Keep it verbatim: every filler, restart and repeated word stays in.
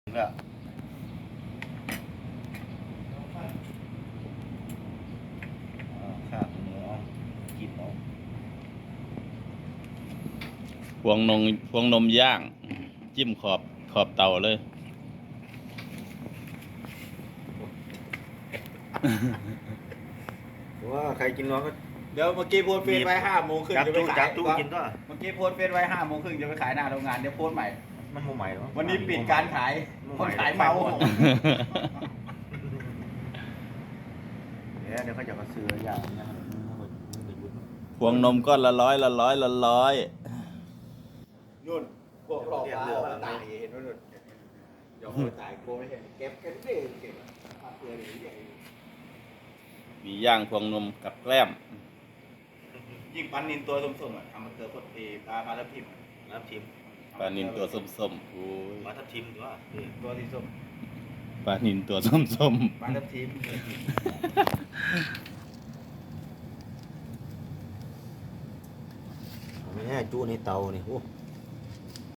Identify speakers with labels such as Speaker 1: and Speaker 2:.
Speaker 1: ก็ข้าวหมูเอากินเอา
Speaker 2: พวงนมพวงนมย่าง จิ้มขอบขอบเตาเลย
Speaker 3: ว่าใครกินน้อยก็
Speaker 1: เดี๋ยวเมื่อกี้โพสต์เฟซไว้ห้าโมงครึ่ง
Speaker 3: จับ
Speaker 1: จะไป
Speaker 3: ตู้
Speaker 1: ขา
Speaker 3: จั
Speaker 1: ย
Speaker 3: บตู้กินด้วย
Speaker 1: เมื่อกี้โพสต์เฟซไว้ห้าโมงครึ่งจะไปขายหน้าโรงงานเดี๋ยวโพสต์ใหม่
Speaker 3: มันโมใหม่หรอ
Speaker 1: วันนี้ปิดการขายคนขายเมา
Speaker 3: เดี๋ยวเดี๋ยวเขาจะมาซื้ออย่างนี้นะครับ
Speaker 2: พวงนมก้อนละร้อยละร้อยละร้อย
Speaker 1: นุ่นพวกหลอกมาออกมาตายเห็นไหมนุ่นเดี๋ยวคนตายโกไม่เห็นเก็บกันเองเก็บภาพเพื่อนอย่างนี้
Speaker 2: มีย่างพวงนมกับแกล้ม
Speaker 1: ยิ่งปันนินตัวส้มๆอ่ะทำมาเจอคนเอปลาปลาทับทิม
Speaker 3: น้ำทิม
Speaker 2: ปลานินตัวส้มๆโอ้ย
Speaker 3: มาทับทิมด้วย
Speaker 1: ตัวที่ส้ม
Speaker 2: ปลานินตัวส้ม
Speaker 1: ปลาทับทิม
Speaker 3: ไม่ใช่จู้ในเตานี่โอ้